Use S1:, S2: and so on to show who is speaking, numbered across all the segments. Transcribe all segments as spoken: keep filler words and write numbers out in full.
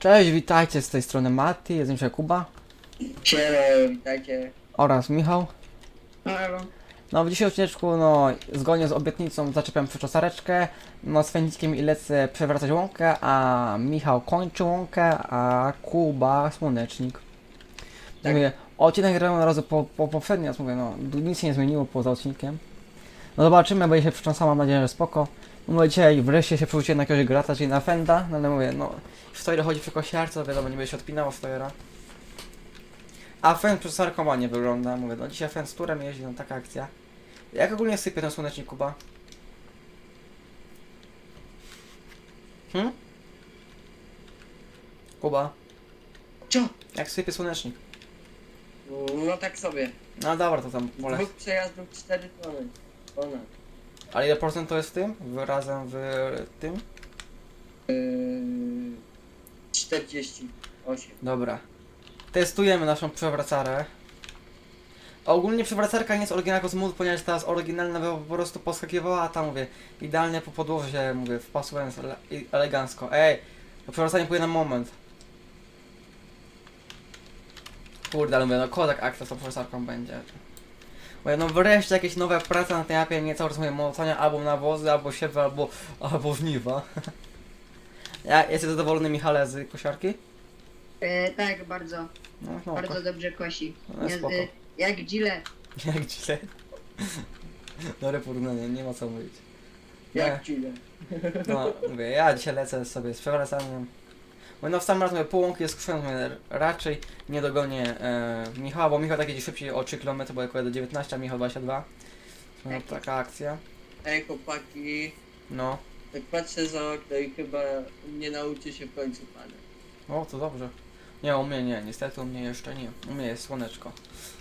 S1: Cześć, witajcie z tej strony Mati, jest dzisiaj Kuba
S2: Siema, witajcie.
S1: oraz Michał.
S2: Halo.
S1: No w dzisiejszym odcineczku, no zgodnie z obietnicą zaczepiam przyczosareczkę, no z Fędzikiem i lecę przewracać łąkę, a Michał kończy łąkę, a Kuba słonecznik. Tak. Mówię, odcinek grałem od razu po, po poprzedni, raz mówię, no nic się nie zmieniło poza odcinkiem. No zobaczymy, będzie się przycząsał, mam nadzieję, że spoko. No dzisiaj wreszcie się przerzuciłem na jakiegoś grata, czyli na Fenda, no ale mówię, no w Stojer chodzi przy kosiarce, wiadomo, nie będzie się odpinało Stojera. A Fend przez sarkoma nie wygląda, mówię, no dzisiaj Fend z turem jeździ, no taka akcja. Jak ogólnie sypie ten słonecznik, Kuba? Hm? Kuba?
S2: Co?
S1: Jak sypie słonecznik?
S2: No tak sobie.
S1: No dobra, to tam
S2: Z
S1: poleć.
S2: dwóch przejazdów cztery tony. Ponad.
S1: Ale ile procent to jest w tym? W, razem w tym?
S2: Yy, czterdzieści osiem.
S1: Dobra. Testujemy naszą przewracarę. Ogólnie przewracarka nie jest oryginalna z modu, ponieważ ta jest oryginalna by po prostu poskakiwała, a tam mówię, idealnie po podłożu się, mówię, wpasłem ele elegancko. Ej, to przewracanie pójdzie na moment. Kurde, ale mówię, no kodak akcja z tą przewracarką będzie. Mówię, no wreszcie jakieś nowe prace na tej mapie, nie cały czas mówię, moconia albo nawozy, albo siewy, albo, albo żniwa. Ja, jesteś zadowolony, Michale, z kosiarki?
S3: E, tak, bardzo,
S1: No, no,
S3: bardzo
S1: ko-
S3: dobrze kosi.
S1: no
S3: Nie,
S1: spoko.
S3: e, jak dzile.
S1: Jak źle. Dobre porównanie, nie ma co mówić.
S2: Jak ci ile?
S1: No, mówię, ja dzisiaj lecę sobie z przewracaniem. Mówię, no w sam raz mówię, połąki jest skuszony, mówię, raczej nie dogonię e, Michała, bo Michał tak jedzie szybciej o trzy kilometry, bo jako do dziewiętnaście, a Michał dwadzieścia dwa. No,
S3: Tak.
S1: taka akcja.
S2: Ej chłopaki,
S1: No.
S2: tak patrzę za okno i chyba nie nauczy się w końcu pana.
S1: O, to dobrze. Nie, u mnie nie, niestety u mnie jeszcze nie. U mnie jest słoneczko.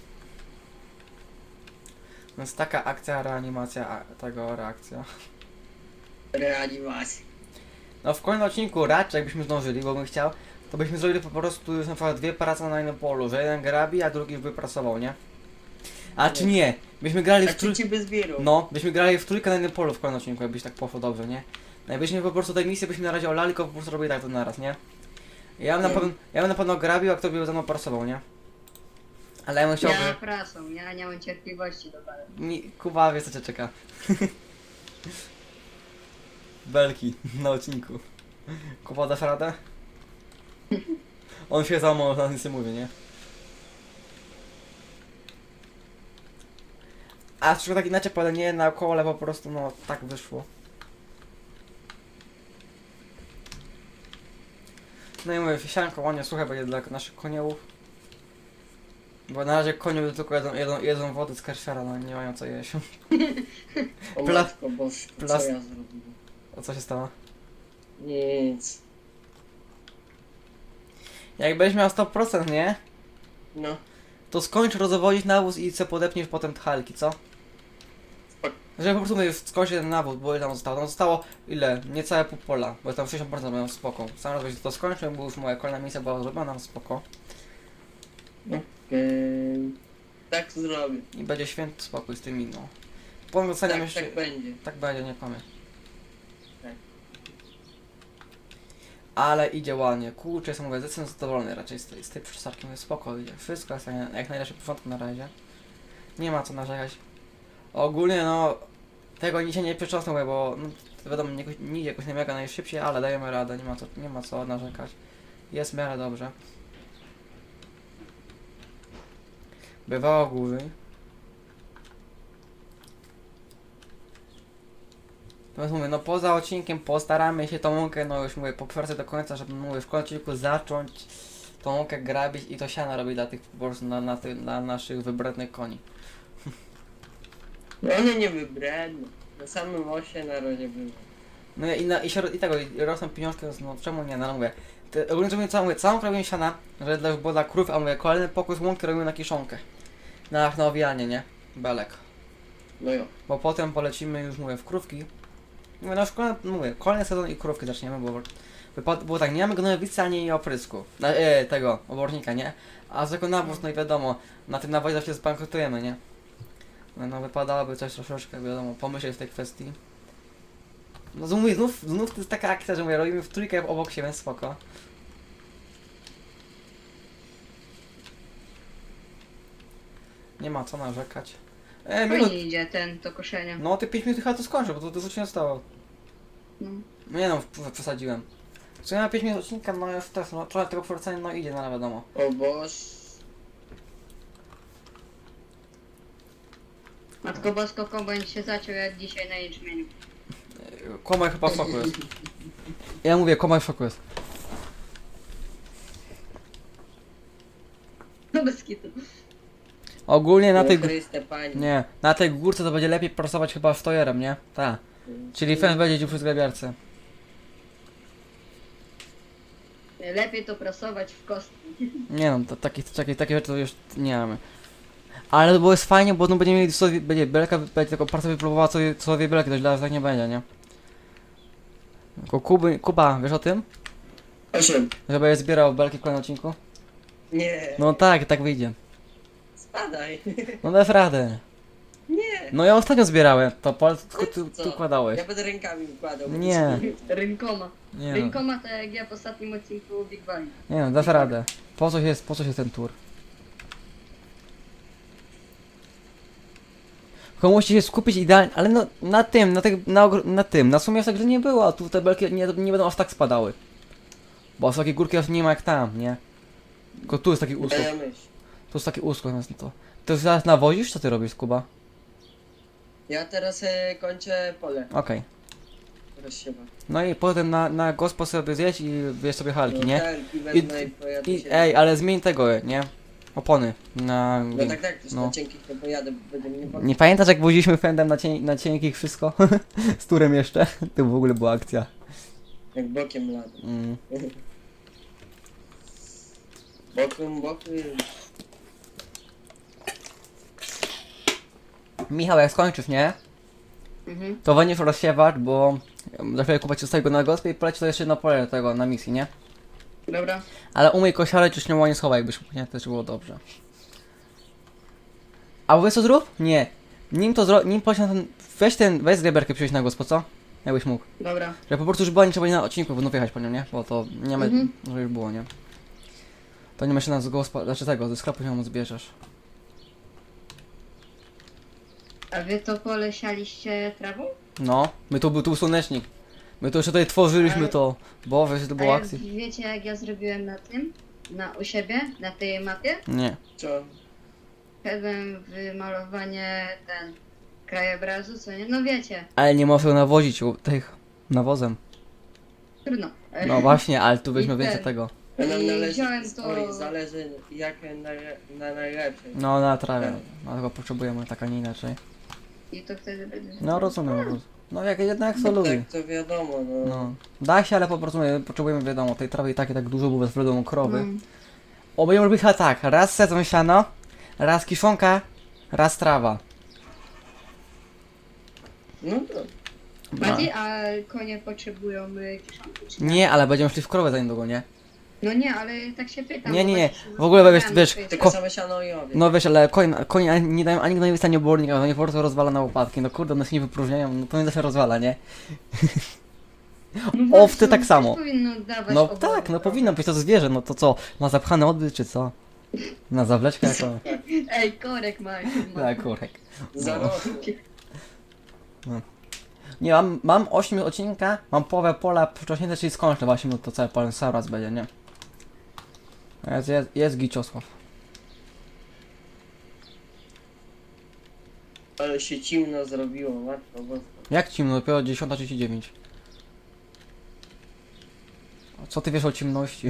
S1: Więc taka akcja, reanimacja a, tego, reakcja.
S2: Reanimacja.
S1: No w kolejnym odcinku raczej jakbyśmy zdążyli, bo bym chciał, to byśmy zrobili po prostu już na przykład dwie prace na jednym polu, że jeden grabi, a drugi by prasował, nie? A czy nie? Byśmy grali
S2: A
S1: w trój...
S2: czy ci by zbierał?
S1: No, byśmy grali w trójkę na jednym polu w kolejnym odcinku, jakbyś tak poszło dobrze, nie? No i byśmy po prostu tej misji byśmy na razie olali, tylko po prostu robili tak to naraz, nie? Ja bym na
S2: Nie.
S1: pewno, ja bym na pewno grabił, a kto by ze mną prasował, nie? Ale ja bym chciał,
S3: Ja
S1: by...
S3: prasą, ja nie mam cierpliwości do pana.
S1: Mi... Kuba wie co cię czeka. Belki na odcinku. Kuba, dasz radę? On się załamał, na nic nie mówi, nie? A troszkę tak inaczej powiem, nie naokoło, ale po prostu no tak wyszło. No i mówię, sianko ładnie suche będzie dla naszych koniołów. Bo na razie koniowie tylko jedzą, jedzą, jedzą wody z karszera, no nie mają co jeść.
S2: O
S1: Pla-
S2: matko bosko, co
S1: plas-
S2: ja zrobiłem?
S1: O co się stało?
S2: Nic.
S1: Jak będziesz miał sto procent, nie?
S2: No.
S1: To skończ rozwodzić nawóz i co podepniesz potem tchalki, co?
S2: Spoko.
S1: Żeby po prostu mówię, skończyć ten nawóz, bo ile tam zostało? Tam zostało ile? Niecałe pół pola, bo tam sześćdziesiąt procent mają spoko. Sam raz będzie to skończył, bo już moja kolejna misja była zrobiona, spoko.
S2: Okej. Tak zrobię.
S1: I będzie święty spokój z tymi, no. Potem dostaniemy
S2: Tak,
S1: jeszcze...
S2: tak będzie.
S1: Tak będzie, nie kłamie.
S2: Tak.
S1: Ale idzie ładnie. Kurczę, jestem mówię, zdecydowanie zadowolony raczej z tej, z tej przyczesarki. Mówię, spoko idzie. Wszystko jest jak jak najlepsze początku na razie. Nie ma co narzekać. Ogólnie no... Tego dzisiaj nie przyczosnę, mówię, bo no, wiadomo, nie, nie idzie jakoś nie mega najszybciej, ale dajemy radę, nie ma co, nie ma co narzekać. Jest w miarę dobrze. Bywało gorzej. Natomiast mówię, no poza odcinkiem postaramy się tą łąkę, no już mówię, poprzedzę do końca, żeby mówię, w końcu odcinku zacząć tą łąkę grabić i to siana robić dla tych po prostu na, na, tych, dla naszych wybrednych koni.
S2: No one nie wybredną. Na samym osie na razie były.
S1: No i, na, i, się, i tego, i rosną pieniążki, więc no czemu nie, no mówię. Te, ogólnie to mówię, co mówię, całą robię siana, że dla, było dla krów, a mówię, kolejny pokój z łąki robimy na kiszonkę. Na, na owijanie, nie? Belek.
S2: No jo.
S1: Bo potem polecimy już, mówię, w krówki. Mówię, no już kolejny, mówię, kolejny sezon i krówki zaczniemy, bo wypad, było tak, nie mamy gnojowicy ani oprysku. Na, e, tego, obornika, nie? A z jako nawóz, no i wiadomo, na tym nawozie zawsze zbankrutujemy, nie? No, no wypadałoby coś troszeczkę, wiadomo, pomyśleć w tej kwestii. No znów, znów, znów to jest taka akcja, że mówię, robimy w trójkę obok siebie, spoko. Nie ma co narzekać. E, minut.
S3: Fajnie idzie ten, to koszenie.
S1: No ty pięć minut chyba to skończę, bo to dużo się nie stało.
S3: No.
S1: Nie no, p- przesadziłem. Co ja na pięć minut odcinka, no jest też, no trochę tego forcenia, no idzie, no ale wiadomo.
S2: O Boż.
S3: Matko Bosko, kombajn się zaciął jak dzisiaj na jęczmieniu.
S1: Komaj chyba w szoku jest. Ja mówię, komaj w szoku jest.
S3: No bez kitu.
S1: Ogólnie na tej...
S2: O Chryste, Panie.
S1: Nie, na tej górce to będzie lepiej prasować chyba stojerem, nie? Tak. Czyli fence będzie dziób przy zgrabiarce.
S3: Lepiej to prasować w kostki.
S1: Nie no, to, takie, takie, takie rzeczy to już nie mamy. Ale to było jest fajnie, bo no będziemy mieli sobie, będzie belka, będzie tylko partia wypróbowała co, co dwie belki, to źle tak nie będzie, nie? Tylko Kuby, Kuba, wiesz o tym?
S2: Osiem.
S1: Że będziesz zbierał belki w kolejnym odcinku?
S2: Nie.
S1: No tak, tak wyjdzie.
S2: Spadaj.
S1: No dasz radę.
S2: Nie.
S1: No ja ostatnio zbierałem, to pol tylko ty,
S2: Co?
S1: ty układałeś.
S2: Ja będę rękami układał. bo
S1: Nie.
S2: to-
S3: Rękoma.
S1: Nie no,
S3: Rękoma tak jak ja w ostatnim odcinku Big Bang.
S1: nie no, dasz radę. Po co jest, po co jest ten tour? Tylko musicie się skupić idealnie, ale no na tym, na, tych, na, ogr- na tym, na sumie tak, że nie było, a tu te belki nie, nie będą aż tak spadały. Bo aż takiej górki aż nie ma jak tam, nie? Tylko tu jest taki uskok,
S2: Ja myśl.
S1: tu jest taki uskok, no to. Ty już zaraz nawozisz? Co ty robisz, Kuba?
S2: Ja teraz e, kończę pole.
S1: Okej.
S2: Rozsiewa.
S1: No i potem na, na gospo sobie zjeść i wiesz sobie halki, nie?
S2: Helki wezmę i pojadę
S1: I,
S2: się.
S1: ej, ale zmień tego, nie? Opony na...
S2: No tak, tak, też
S1: no.
S2: na cienkich nie pojadę, bo będzie mnie
S1: Nie pamiętasz jak woziliśmy fendem na, cień, na cienkich wszystko? Z turem jeszcze? To w ogóle była akcja.
S2: Jak bokiem ladę.
S1: Mm.
S2: Bokiem, bokiem.
S1: Michał, jak skończysz, nie?
S3: Mhm.
S1: To weźmiesz rozsiewacz, bo za chwilę kupować zostaje go na gospie i poleci to jeszcze na pole tego, na misji, nie?
S3: Dobra.
S1: Ale umyj kosiarę, czy śniało nie schowaj, jakbyś mógł, nie? Też było dobrze. A wiesz co zrób? Nie. Nim to zro... nim poleci na ten... Weź ten... Weź zgraberkę przyjść na gospo, co? Jakbyś mógł.
S3: Dobra.
S1: Że po prostu już była, nie trzeba na odcinku, bo no wjechać po nią, nie? Bo to nie ma...
S3: Mhm.
S1: że już było, nie? To nie ma się na z gospa... Znaczy tego, ze sklepu się mu zbierzesz.
S3: A wy to pole sialiście trawą?
S1: No. My tu był tu słonecznik. My to jeszcze tutaj tworzyliśmy
S3: Ale-
S1: to. Bo wiesz, to
S3: A
S1: było
S3: jak
S1: akcji.
S3: wiecie jak ja zrobiłem na tym? Na u siebie? Na tej mapie?
S1: Nie.
S2: Co?
S3: Wszedłem w malowanie ten krajobrazu, co nie? No wiecie,
S1: Ale nie można nawozić u tych nawozem.
S3: trudno.
S1: No właśnie, ale tu weźmy
S3: I
S1: więcej
S3: ten.
S1: tego.
S2: A nam
S3: I
S2: należy
S3: wziąłem
S2: historii,
S3: to-
S2: zależy jak na, na najlepszej.
S1: No na trawie. Dlatego potrzebujemy tak, a nie inaczej.
S3: I to wtedy będzie.
S1: No rozumiem, rozumiem. No jak jednak co lubi.
S2: Tak to wiadomo, no.
S1: No. Da się, ale po prostu my potrzebujemy wiadomo, tej trawy i tak i tak dużo, bo bez wiadomo krowy.
S3: Mm.
S1: O, będziemy robić chyba tak, raz sezon siano, raz kiszonka, raz trawa.
S2: No to.
S1: No.
S3: Bardziej, a konie potrzebują y, kieszonki, czy nie?
S1: Nie, ale będziemy szli w krowę za niedługo, nie?
S3: No nie, ale tak się pytam.
S1: Nie,
S3: bo
S1: nie, nie.
S3: właśnie się
S1: W ogóle, wiesz-
S3: zastanawiam,
S1: wiesz,
S3: czy jest-
S2: Tylko
S1: Ko-
S2: same siano i owiec.
S1: No wiesz, ale koń, koń ani- nie dają ani gnojowica, ani obornika, no nie po prostu rozwala na łopatki. No kurde, one się nie wypróżniają, no to nie zawsze rozwala, nie?
S3: No
S1: owce
S3: właśnie,
S1: tak
S3: też
S1: samo.
S3: powinno dawać
S1: No
S3: owoce,
S1: tak, no
S3: prawda?
S1: powinno być to zwierzę, no to co? Ma zapchany odbyt, czy co? Na zawleczkę jako...
S3: Ej, korek ma. ma.
S1: Tak, kurek.
S2: Zarosło.
S1: Nie, mam, mam osiem odcinka, mam połowę pola wcześniej, czyli skończę właśnie, no to cały polen sam raz będzie, nie? Jest, jest, jest Giczosław.
S2: Ale się cimno zrobiło, matko boska.
S1: Jak cimno? Dopiero dziesiąta trzydzieści dziewięć. A co ty wiesz o ciemności?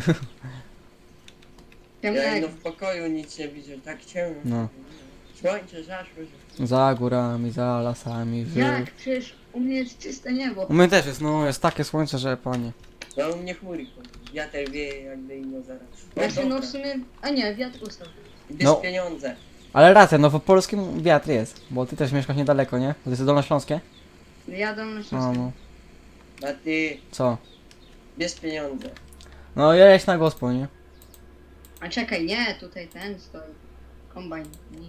S2: Ja
S3: Ciemnego.
S2: no w pokoju nic nie widzę, tak ciemno.
S1: No.
S2: Słońce zaszło, że...
S1: Za górami, za lasami, wy...
S3: Jak? Przecież u mnie jest czyste niebo.
S1: U mnie też jest, no jest takie słońce, że panie.
S2: No u mnie chmury chodzą. Wiatr wieje jak dino zaraz. O,
S3: Znaczy no
S2: dobra.
S3: w sumie... A nie, wiatr ustał.
S2: Bierz
S1: No.
S2: pieniądze.
S1: Ale racja, no w polskim wiatr jest, bo ty też mieszkasz niedaleko, nie? To jest Dolnośląskie?
S3: Jadą na
S1: No,
S3: Śląsku.
S1: no.
S2: A ty
S1: Co?
S2: bierz pieniądze.
S1: No jeźdź na gospo, nie?
S3: A czekaj, nie, tutaj ten stoi. Kombajn. Nie.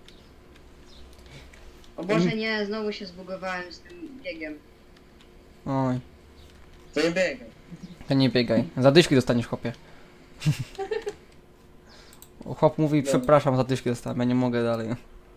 S3: O Boże, nie, znowu się zbugowałem z tym biegiem.
S1: Oj,
S2: To nie biegaj.
S1: to nie biegaj. Zadyszki dostaniesz, chłopie. Chłop mówi,
S2: Dobra.
S1: przepraszam, za dyszki dostałem, ja nie mogę dalej.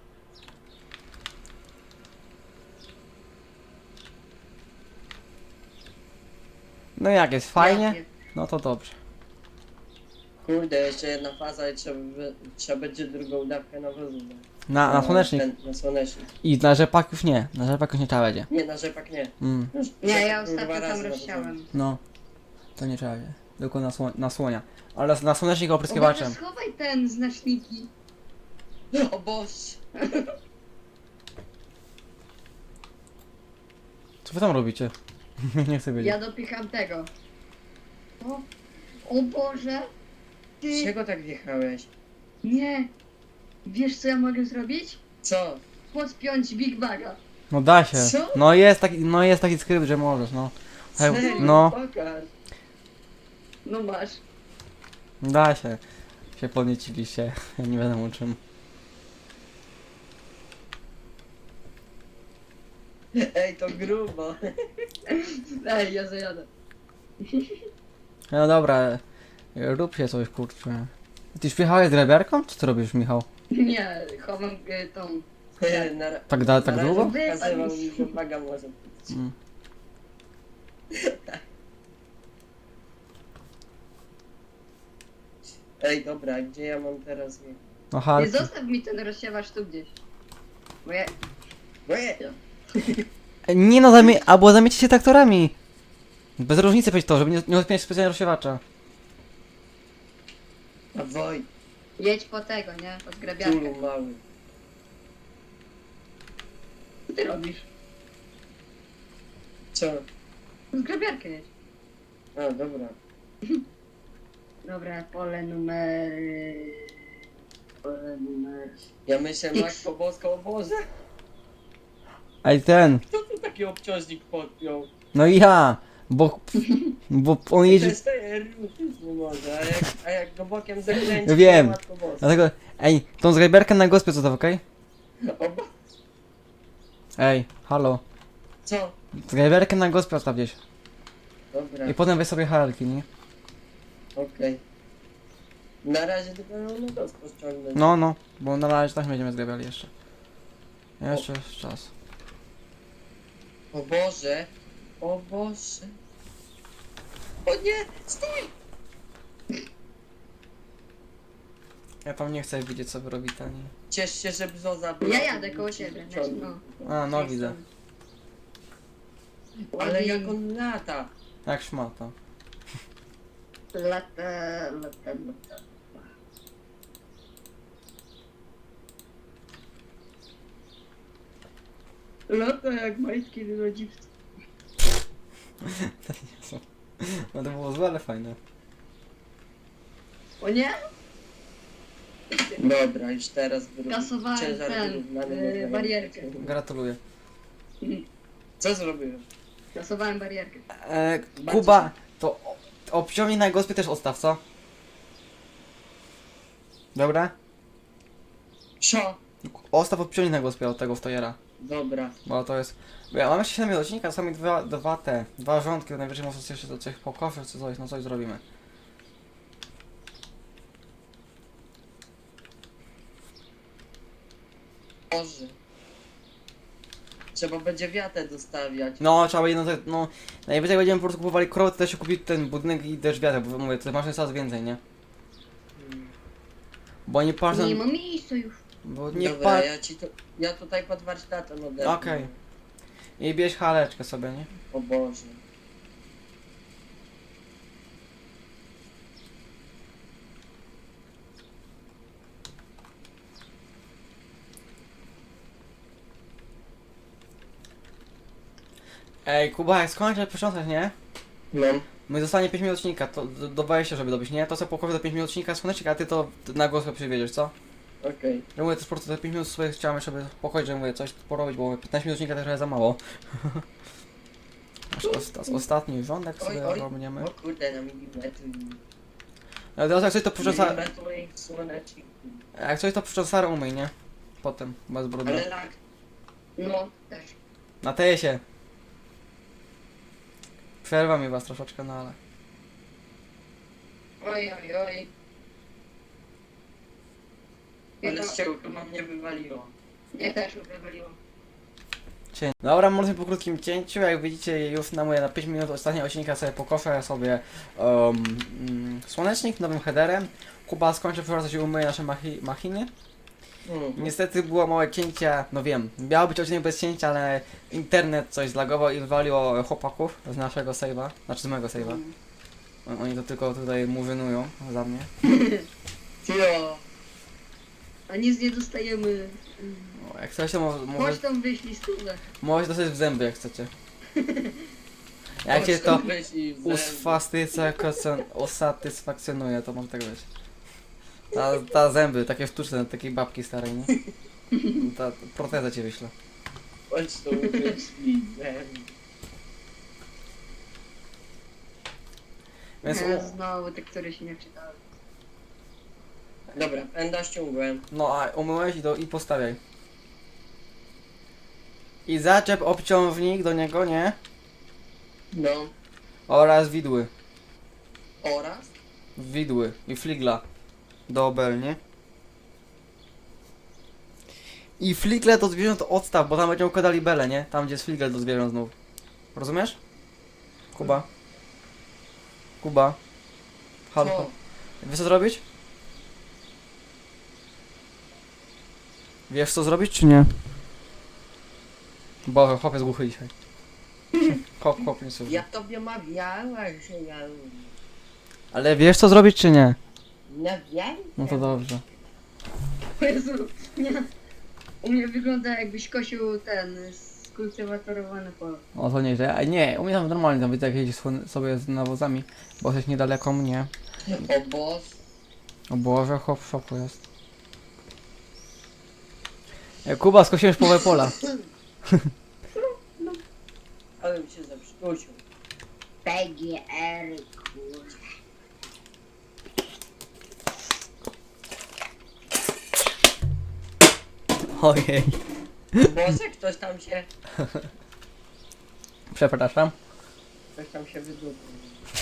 S1: No jak jest, fajnie?
S3: Ja pier-
S1: No to dobrze.
S2: Kurde, jeszcze jedna faza i trzeba, by- trzeba będzie drugą dawkę nawozu dać.
S1: Na, na słonecznik.
S2: Ten, na słonecznik.
S1: I na rzepak już nie, na rzepak już nie trzeba będzie.
S2: Nie, na rzepak nie.
S1: Mm.
S2: Już
S3: Nie, ja
S2: rzepak był dwa
S3: ostatnio tam
S2: razy
S3: rozsiałem.
S1: No, to nie trzeba będzie. Tylko na, sło na słonia. Ale na słonecznik
S3: Boże,
S1: opryskiwaczem.
S3: schowaj ten znaczniki.
S2: nawożony. O Boże!
S1: Co wy tam robicie? Nie chcę wiedzieć.
S3: Ja dopycham tego. O, o Boże.
S2: Z
S3: Ty,
S2: czego tak wjechałeś?
S3: nie. Wiesz co ja mogę zrobić?
S2: Co?
S3: Podpiąć Big Baga.
S1: No da się.
S2: Co?
S1: No jest taki, no jest taki skrypt, że możesz, no. Hej,
S2: Serio?
S1: no,
S2: Pokaż.
S3: No masz.
S1: da się. Się podnieciliście. Ja nie wiadomo czym.
S2: Ej, to grubo.
S3: Ej, ja zajadę.
S1: No dobra, rób się coś, kurczę. Ty już wjechałeś z grabiarką? Co ty robisz, Michał?
S3: Nie, chowam y, tą.
S2: Na, ra-
S1: Tak da- tak
S2: na razie
S1: długo?
S2: pokazywał mi, że baga może być.
S1: Mm.
S2: Ej, dobra, gdzie ja mam teraz jechać?
S1: No
S3: Nie
S1: Harki.
S3: zostaw mi ten rozsiewacz tu gdzieś. Bo ja...
S2: Łe!
S1: Nie no, zamie albo zamiecie się traktorami. Bez różnicy być to, żeby nie, nie odpiąć specjalnie rozsiewacza.
S2: A Woj,
S3: Jedź po tego, nie? Pod grabiarkę.
S2: czulu mały.
S3: Co ty robisz?
S2: Co?
S3: Z grabiarkę jedź.
S2: A, dobra.
S3: Dobra, pole numer... Pole numer...
S2: Ja myślę,
S3: X.
S2: Matko Boska, o Boże.
S1: Ej ten,
S2: Kto tu taki obciążnik podpiął?
S1: no i ja, bo, bo on
S2: To
S1: jeździ,
S2: jest ten ruszyć nie może, a jak, a jak go bokiem zakręci,
S1: Wiem.
S2: to Matko Boska.
S1: dlatego, ej, tą zgrabiarkę na gospie co to, okej?
S2: O Bo...
S1: Ej, halo,
S2: Co?
S1: zgrabiarkę na gospie odstaw gdzieś.
S2: Dobra,
S1: I potem weź sobie harki, nie?
S2: okej. Na razie tylko ją na dosko ściągnąć.
S1: No, no, bo na razie tak nie będziemy zgrabiali jeszcze. Jeszcze jest czas.
S2: O Boże, o Boże. O nie, stój!
S1: Ja tam nie chcę widzieć co wy robicie, nie?
S2: Ciesz się, że brzoza była.
S3: Ja jadę koło ciebie, znaczy no.
S1: A, no widzę.
S2: Ale jak on lata.
S1: Jak szmata.
S3: Lata, lata, lata. Lata jak majtki rodziców.
S1: No to było złe, ale fajne.
S3: O nie?
S2: Dobra, już teraz wyrób-
S3: Kasowałem
S2: ciężar
S3: ten,
S2: wyrównany
S3: yy,
S2: można
S3: barierkę.
S2: jechać.
S1: Gratuluję.
S2: Co zrobiłem?
S3: Kasowałem barierkę.
S1: E,
S2: Bardzo
S1: Kuba, to o- obciągnij na gospie też odstaw, co? Dobra?
S2: Co?
S1: Ostaw obciągnij na gospie od tego stojera.
S2: Dobra.
S1: Bo to jest... Bo ja mam jeszcze siedem odcinka, sami dwa, dwa te, dwa rządki, najwyżej może jeszcze do coś pokoszy, czy coś, no coś zrobimy.
S2: Boże. Trzeba będzie wiatę dostawiać.
S1: No, trzeba jedno, te- no, najwyżej będziemy po prostu kupowali krowy, to też się kupić ten budynek i też wiatr, bo mówię, to masz coraz więcej, nie?
S2: Hmm.
S1: Bo nie patrzę,
S3: Nie ma miejsca już.
S1: bo nie
S2: Dobra,
S1: patrz...
S2: ja ci to... Ja tutaj pod warsztatem odetnę.
S1: Okej. I bierz haleczkę sobie, nie?
S2: O Boże.
S1: Ej, Kuba, jak skończę przecząsać, nie?
S2: Mam.
S1: My zostanie pięć minut odcinka, to do, do dwudziestu, żeby dobić, nie? To sobie pokowy do pięć minut odcinka słonecznik, a ty to na głos przywieziesz, co?
S2: Okej.
S1: Ja mówię, też po prostu te pięć minut sobie chciałem, żeby pokoić, że mówię, coś porobić, bo mówię, piętnaście minut odcinka też trochę za mało. Aż osta ostatni rządek
S2: Oj,
S1: sobie
S2: oj.
S1: robniemy.
S2: O kurde, na milimetr.
S1: Ale teraz jak coś to przycząsa...
S2: Milimetr moich słoneczników.
S1: Jak coś to przycząsarę umyj, nie? Potem, bez brudu.
S2: Ale lag.
S3: No, też.
S1: Na tesie. Przerwa mi was troszeczkę, no ale...
S3: Oj, oj, oj.
S2: Ale z czego chyba mnie wywaliło.
S3: Nie też wywaliło.
S1: Cię- Dobra, może po krótkim cięciu, jak widzicie już na moje na pięć minut ostatnie odcinka sobie pokoszę sobie um, mm, słonecznik nowym headerem. Kuba skończy przewracać i umyje nasze machi machiny.
S2: Mhm.
S1: Niestety było małe cięcie, no wiem, miał być odcinek bez cięcia, ale internet coś zlagował i wywaliło chłopaków z naszego save'a, znaczy z mojego save'a.
S3: Mm.
S1: On- Oni to tylko tutaj murzynują za mnie.
S2: Tio.
S3: A nic nie dostajemy.
S1: O, jak chcecie, mo może,
S3: Chodź tam wyślij stówę.
S1: możecie dostać w zęby, jak chcecie. Jak cię to usfastycja- usatysfakcjonuje, to może tak być. Ta, ta zęby, takie sztuczne, takiej babki starej, nie? Ta proteza cię wyślę.
S2: Chodź tu wyślij zęby.
S1: Więc
S3: Nie,
S1: u,
S3: znowu te, które się nie czytały.
S2: Dobra, pęda ściągłem.
S1: no a umyłeś i, do, i postawiaj. I zaczep obciążnik do niego, nie?
S2: No.
S1: Oraz widły.
S2: Oraz?
S1: Widły i fligla do obel, nie? I fligle do zwierząt odstaw, bo tam będziemy układali bele, nie? Tam gdzie jest fligle do zwierząt znów. Rozumiesz? Kuba? Kuba? Halo?
S2: Co?
S1: Wiesz co zrobić? Wiesz co zrobić czy nie? Bo chłop jest głuchy dzisiaj. Chłop, chłop nie słucha.
S2: Ja tobie mawiała, że ja...
S1: Ale wiesz co zrobić czy nie?
S2: No wiem.
S1: No to dobrze.
S3: O Jezu, nie. U mnie wygląda jakbyś kosił ten skultywatorowany pole.
S1: O to nieźle. A nie, u mnie tam normalnie tam widzę jak jeździ słon- sobie z nawozami, bo jesteś niedaleko mnie.
S2: O boss.
S1: O Boże, chłop w szoku jest. E, Kuba, skosiłeś połowę pola.
S2: Ale mi się zepsucił.
S3: P G R, kurde.
S1: Ojej.
S2: Boże, ktoś tam się...
S1: Przepraszam.
S2: Ktoś tam się wydupił.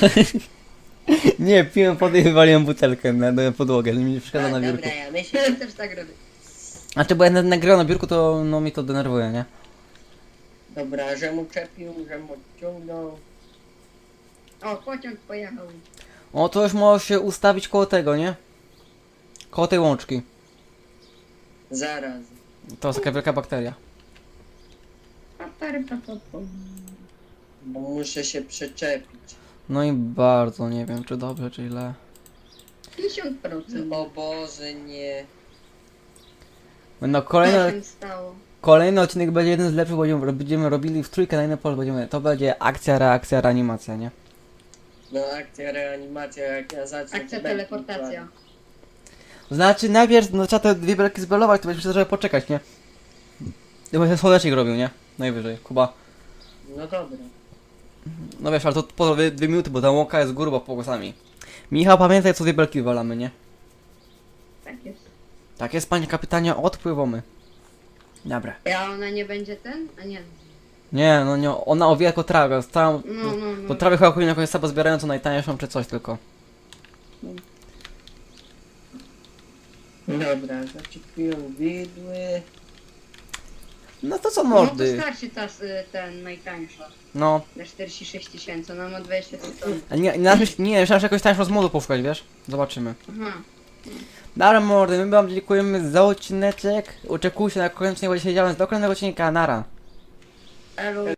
S1: Nie, piłem wody i wywaliłem butelkę na, na podłogę, mi nie przeszkadza na
S2: A,
S1: biurku.
S2: dobra, ja myślę,
S3: Ja też tak robię.
S1: Znaczy, bo jak na- nagrałem na biurku, to no mi to denerwuje, nie?
S2: dobra, że mu czepił, że mu ciągnął.
S3: O, pociąg pojechał.
S1: O, to już możesz się ustawić koło tego, nie? Koło tej łączki.
S2: Zaraz.
S1: To jest taka wielka bakteria.
S3: Papary, papapom.
S2: Bo muszę się przyczepić.
S1: No i bardzo, nie wiem, czy dobrze, czy źle.
S3: pięćdziesiąt procent.
S2: O Boże, nie.
S1: No
S3: Co
S1: kolejny,
S3: się stało?
S1: kolejny odcinek będzie jeden z lepszych, bo będziemy, będziemy robili w trójkę na inne pole, będziemy, to będzie akcja, reakcja, reanimacja, nie?
S2: No akcja, reanimacja, jak ja zacznę...
S3: Akcja
S2: to belki
S3: teleportacja.
S1: Znaczy najpierw, no trzeba te dwie belki zbelować, to będzie żeby poczekać, nie? Chyba się słonecznik robił, nie? Najwyżej, Kuba.
S2: kładł. No dobra.
S1: No wiesz, ale to po dwie, dwie minuty, bo ta łąka jest grubo pokosami. Michał, pamiętaj, co dwie belki wywalamy, nie?
S3: Tak jest.
S1: Tak jest, panie kapitanie, odpływamy. Dobra.
S3: A ona nie będzie ten? A nie.
S1: Nie, no nie, ona owija jako trawę, całą...
S3: No, no, no.
S1: To trawy chyba powinien jakąś sabę zbierającą najtańszą, czy coś tylko.
S2: Dobra, zaczepiłem widły.
S1: No to co
S3: No to
S1: mordy?
S3: starczy ta, s- ten najtańsza.
S1: No.
S3: Za czterdzieści sześć tysięcy, ona ma dwadzieścia trzy ton.
S1: A nie, nie, nie, myślałem, że jakoś tańszą z modu poszukać, wiesz? Zobaczymy.
S3: Aha.
S1: Dobra mordy, my wam dziękujemy za odcineczek. Oczekujcie na kolejny odcinek, bo dzisiaj siedziałem z do kolejnego odcinka, nara.
S3: Elo.